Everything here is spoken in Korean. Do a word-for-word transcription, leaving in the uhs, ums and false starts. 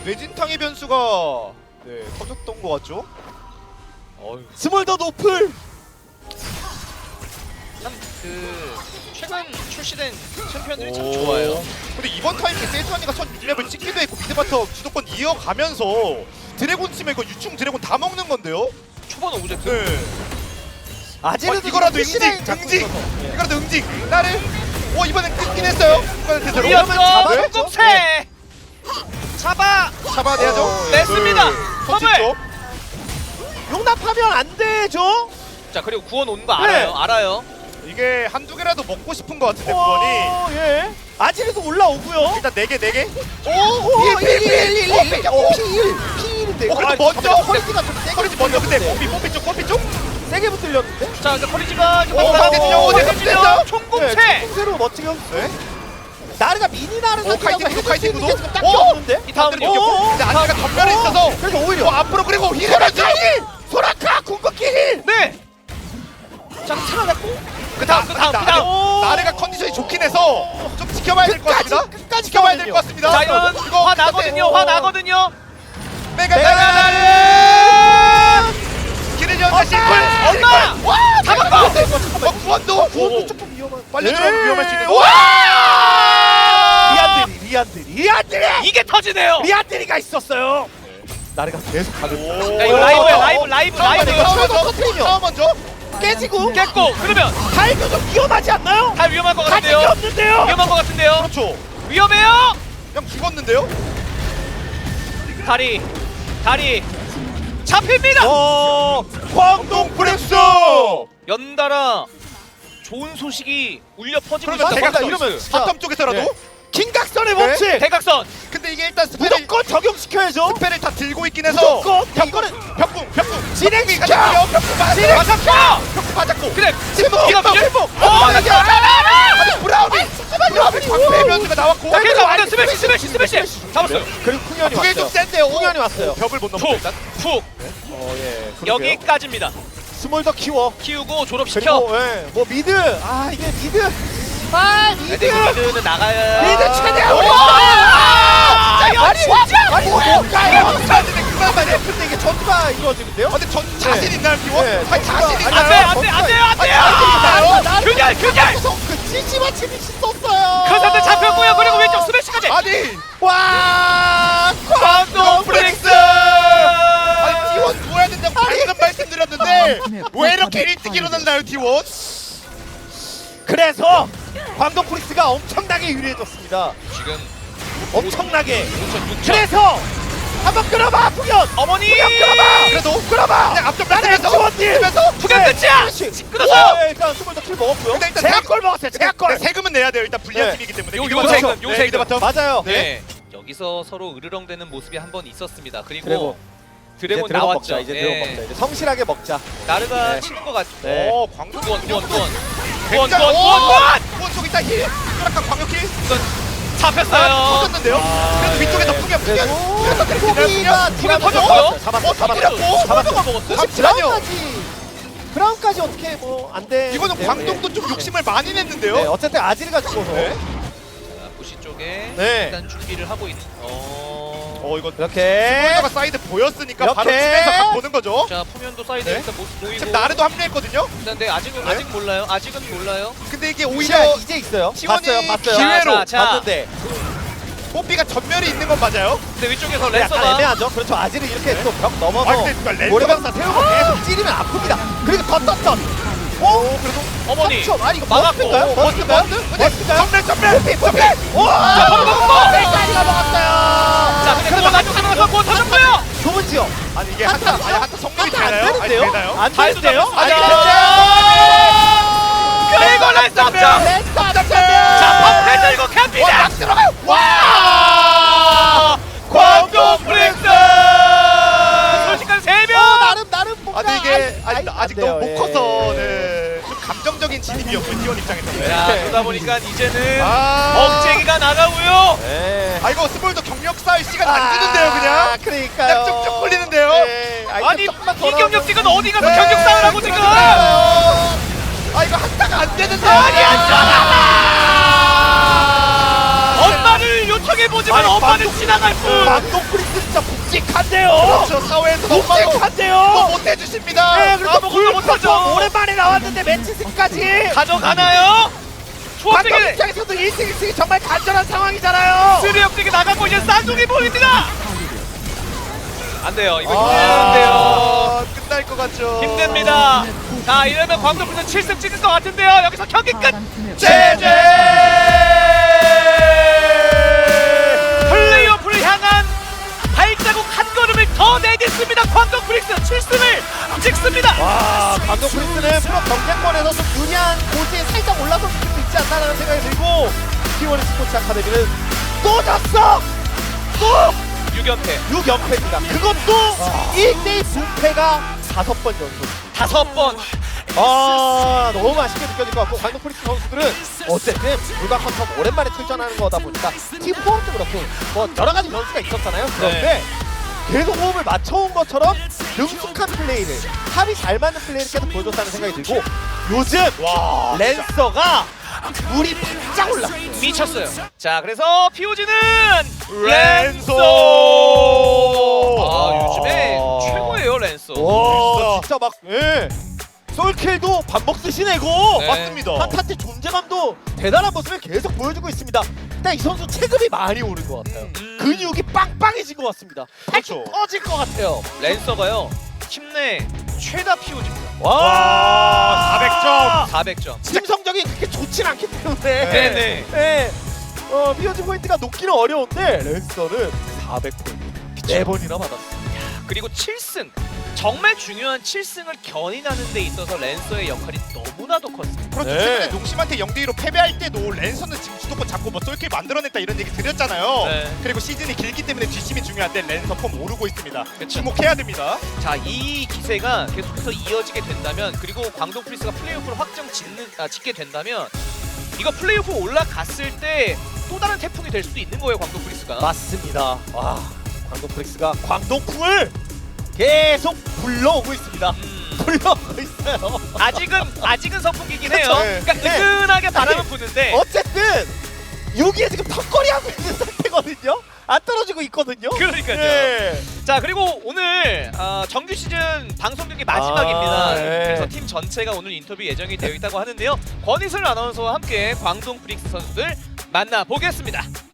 뇌진탕의 변수가 네 터졌던 것 같죠? 어휴. 스몰더 노플. 참그 최근 출시된 챔피언들이 참 오. 좋아요. 근데 이번 타임에 세주안이가 첫 육 렙을 찍기도 했고 미드바텀 주도권 이어가면서 드래곤 치면 이거 유충 드래곤 다 먹는 건데요? 초반 오브젝트. 네. 아지르도 어, 이거라도 지금 응징! 잡고 응징! 있어서. 예. 이거라도 응징! 나를! 어 이번엔 끊긴 했어요! 이번엔 대대로 이었어. 잡아야죠. 공공채. 잡아. 잡아내야죠? 어, 냈습니다. 선취 컵을! 쪽 용납하면 안 되죠. 자 그리고 구원 오는 거 알아요. 네. 알아요. 이게 한두 개라도 먹고 싶은 것 같은데 구원이 오, 예. 아지르도 올라오고요. 일단 네 개 네 개? 오, 필, 필, 필, 필, 필, 필. 오. 피일인데. 어 그래도 아, 먼저! 잠깐만, 퀄리티가 좀 세게 커리지 먼저 근데 붙었는데. 뽀삐 뽀삐 쪽 뽀삐 쪽? 세게 붙들렸는데. 자 이제 커리지가 이제 오, 막 나대준요, 나오고 나대준요. 나대준요. 총공채. 총세로 멋지게. 네? 나르가 미니 나르 오, 카이팅 구도, 카이팅 구도. 딱히 오! 없는데. 이 다음은 반대로 요. 이겼고 근데 안내가 전멸에 있어서 그래서 어, 오히려 앞으로 그리고 힐해야지! 소라카 궁극기 힐. 네. 자 살아났고. 그 다음 그 다음 그 다음. 오. 나르가 컨디션이 좋긴 해서 좀 지켜봐야 될 것 끝까지, 같습니다. 끝까지 지켜봐야 될 가거든요. 것 같습니다. 자 이건 이거 화 근데- 나거든요. 오. 화 나거든요. 메가 메가 나르! 길을 연다 심플! 엄마! 와! 잡았고! 어 구원도! 구원도 조금 위험한. 빨리 네. 들어가면 위험할 수 있는 와! 리안드리, 리안드리, 리안드리, 이게 터지네요. 리안드리가 있었어요. 나르가 계속 가는. 오. 야 이거 라이브야 라이브 라이브 라이브. 이거 처음에 먼저 터트리죠. 처음 먼저 깨지고. 깼고 그러면 달도 좀 위험하지 않나요? 다 위험할 것 가진 게 같은데요. 없는데요. 위험한 것 같은데요. 그렇죠. 위험해요. 그냥 죽었는데요? 다리 다리 잡힙니다. 어, 광동 프렉스! 연달아 좋은 소식이 울려 퍼지고 그러면 있다. 제가 이러면 이러면 진짜- 바텀 쪽에서라도 네. 긴각선의 네. 법칙. 대각선. 근데 이게 일단 스펠을 무조건 적용시켜야죠. 스펠을 다 들고 있긴 해서 무조건 이거는 벽궁 벽궁 진행시켜! 벽궁 맞았고 진행시켜! 벽궁 맞았고 그래. 침묵 이거 침묵 밀고. 어 어, 이게 아니 브라운이 브라운이 방패 변수가 나왔고 자, 그래서 완전 스매시 스매시 스매시 잡았어요. 그리고 풍년이 그게 좀 왔어요. 센데요 풍년이 왔어요. 벽을 못 넘고 푹 일단 푹 어, 예. 그러게요. 여기까지입니다. 스몰 더 키워. 키우고 졸업시켜. 그리고 예, 뭐 미드. 아, 이게 미드. 아, 미드. 근데 이거 미드는 나가야. 미드 최대한 오! 우리 아, 아니, 야, 진짜! 아니, 뭔가요? 그만 말이야 근데 이게 전투가 이루어지는데요? 근데 전 자신 있나요 기원? 네, 아니 자신 아니, 있나요? 안 돼, 안 돼, 안 돼요, 안 돼요! 있나요? 균열, 균열! 그 찌찌마 치듯이 썼어요. 그 상태 잡혔고요. 그리고 왼쪽 스매시까지. 아니 와, 광동 프렉스! 아니 티원 누워야 된다고 방금 말씀드렸는데 왜 이렇게 일찍 일어났나요 티원? 그래서 광동 프리스가 엄청나게 유리해졌습니다. 지금 엄청나게. 오천, 육천. 그래서 한번 끌어봐, 풍년. 어머니! 끌어봐. 그래도 끌어봐. 그냥 앞쪽 나는 뺏으면서 지원님. 뺏으면서 투견 네. 끝이야! 그렇지. 끊었어요! 네, 일단 스몰 더킬 먹었고요. 근데 일단 제약골 먹었어요. 제약골. 네, 세금은 내야 돼요 일단 불리한 네. 팀이기 때문에 요- 미드 요 바텀. 세금, 요 네, 세금. 미드 바텀. 맞아요. 네. 여기서 서로 으르렁대는 모습이 한 번 있었습니다. 그리고 그리고 드래곤 이제 드래곤 나왔죠. 먹자. 이제 네. 드래곤 먹자. 이제 성실하게 먹자. 나르가 네. 치는 것 같죠. 네. 오 광동 구원, 구원, 구원. 구원, 구원 구원, 구원, 구원! 구원 쪽 일단 힐 약간 광역 힐 잡혔어요. 터졌는데요? 그래도 위쪽에서 풍겨 풍겨 그래서 소비가 풍요 터졌고요. 잡았어. 어, 잡았어. 터졌고? 잡았어. 먹었어요. 잠시만요 브라운까지. 브라운까지 어떻게 뭐 안 돼. 이거는 광동도 좀 욕심을 많이 냈는데요? 네, 어쨌든 아지르가 죽어서. 네. 자, 부시 쪽에 네. 일단 준비를 하고 있는. 어. 어 이거 이렇게. 스포일러가 사이드 보였으니까 이렇게. 바로 치면서 각 보는 거죠? 자, 푸면도 사이드에 네. 일단 모습 보이고. 지금 나르도 합류했거든요? 근데 아직은 네. 아직 몰라요. 아직은 몰라요. 근데 이게 오히려 오히려 이제 있어요. 지원이 봤어요. 봤어요. 기회로 자, 자, 자. 봤는데 뽀삐가 전멸이 있는 건 맞아요? 근데 위쪽에서 약간 레서가 애매하죠. 그렇죠. 아지르 이렇게 또 벽 넘어서 아 근데 그러니까 랜드가 모래방사 세우고 계속 찌르면 아픕니다. 그리고 덧덧덧. 오, 그래도 어머니 삼 초. 아니 이거 막았고. 버스인가요? 버스인가요? 버스인가요? 전멸 전멸 뽀삐 뽀삐. 자, 와! 번 먹었고! 셀까지가 먹었어요. 자, 근데 그거 나중에 들어가서 뭐 터졌고요. 좁은 지역. 아니 이게 한타 아니 한타 성립이 한타 안 되나요? 아니 되는데요? 되나요? 안 발도 되는데요? 잡혔어. 아니 그리고 레서 점. 렛츠 자, 펌프 들고 갑니다. 들어가요! 와! 광동 프렉스! 순식간 세 명. 나름 나름 뭔가. 아 근데 이게 아이, 아직, 아이, 아직 안 너무 돼요. 못 커서 예. 네. 좀 감정적인 진입이었고요 티원 입장에서는 야, 그러다 보니까 이제는 아 억제기가 나가고요. 네. 아 이거 스몰도 경력 쌓을 시간 안 주는데요 그냥 그러니까요. 그냥 쭉쭉 굴리는데요? 네. 아니, 이 경력직은 어디 가서 네. 경력 쌓으라고 지금. 아 이거 한타가 안 되는데 아니, 안 엄마를 요청해 보지만 아니, 엄마는 광동- 지나갈 뿐. 광동 프린스 진짜 묵직한데요. 그렇죠. 사회에서 너무 묵직한데요. 못 해주십니다. 네, 그리고 아무것도 못하죠. 오랜만에 나왔는데 매치승까지. 가져가나요? 광동 초합되게 입장에서도 일 승 일 승이 정말 간절한 상황이잖아요. 쓰리 역대기 나가고 이제 쌍둥이 보입니다. 안 돼요. 이거 아, 힘든데요. 아, 끝날 것 같죠. 힘듭니다. 자, 이러면 광동부터 칠 승 찍을 것 같은데요. 여기서 경기 끝. 제제. 플레이오프를 향한 발자국 한 걸음을 더 내딛습니다. 광동 프릭스 칠 승을 찍습니다. 와, 광동 프린스는 프로 경쟁권에서 좀 유리한 곳에 살짝 올라설 수도 있지 않나라는 생각이 들고 티원 스포츠 아카데미는 또 졌어! 또 육 연패 육 연패입니다. 그것도 일 대 분패가 다섯 번 연속. 다섯 번. 아, 너무 맛있게 느껴질 것 같고 광동 프린스 선수들은 어쨌든 불과 컨텀 오랜만에 출전하는 거다 보니까 팀 호흡도 그렇고 뭐 여러 가지 변수가 있었잖아요. 그런데 계속 호흡을 맞춰온 것처럼 능숙한 플레이를 합이 잘 맞는 플레이를 계속 보여줬다는 생각이 들고 요즘 와, 랜서가 물이 바짝 올랐어요. 미쳤어요. 자, 그래서 피오지는 랜소. 아, 요즘에 최고예요, 랜소. 와, 진짜 막 예. 솔킬도 밥 먹듯이 내고 네. 맞습니다. 한타트 존재감도 대단한 모습을 계속 보여주고 있습니다. 일단 이 선수 체급이 많이 오른 것 같아요. 음. 근육이 빵빵해진 것 같습니다. 그렇죠. 터질 것 같아요. 랜서가요. 팀 내 최다 피오지입니다. 와, 사백 점. 사백 점. 팀 성적이 그렇게 좋진 않기 때문에 네, 네. 네. 어, 피오지 포인트가 높기는 어려운데 랜서는 사백 포인트 네 번이나 받았어요. 그리고 칠 승. 정말 중요한 칠 승을 견인하는 데 있어서 랜서의 역할이 너무나도 컸습니다. 그렇죠. 네. 최근에 농심한테 영 대 이로 패배할 때도 랜선은 지금 주도권 잡고 뭐 쏠킬 만들어냈다 이런 얘기 드렸잖아요. 네. 그리고 시즌이 길기 때문에 뒷심이 중요한데 랜선 폼 오르고 있습니다. 그쵸. 주목해야 됩니다. 자, 이 기세가 계속해서 이어지게 된다면, 그리고 광동 프리스가 플레이오프를 확정 짓는, 아, 짓게 된다면 이거 플레이오프 올라갔을 때 또 다른 태풍이 될 수도 있는 거예요, 광동 프리스가. 맞습니다. 와, 광동 프릭스가 광동풍을 계속 불러오고 있습니다. 음, 불러오고 있어요. 아직은 아직은 선풍기긴 해요. 그쵸. 네. 그러니까 네. 느긋하게 바람은 아니, 부는데 어쨌든 여기에 지금 턱걸이 하고 있는 상태거든요. 안 떨어지고 있거든요. 그러니까요. 네. 자, 그리고 오늘 어, 정규 시즌 방송 경기 마지막입니다. 아, 네. 그래서 팀 전체가 오늘 인터뷰 예정이 되어 있다고 하는데요. 권희슬 아나운서와 함께 광동 프릭스 선수들 만나보겠습니다.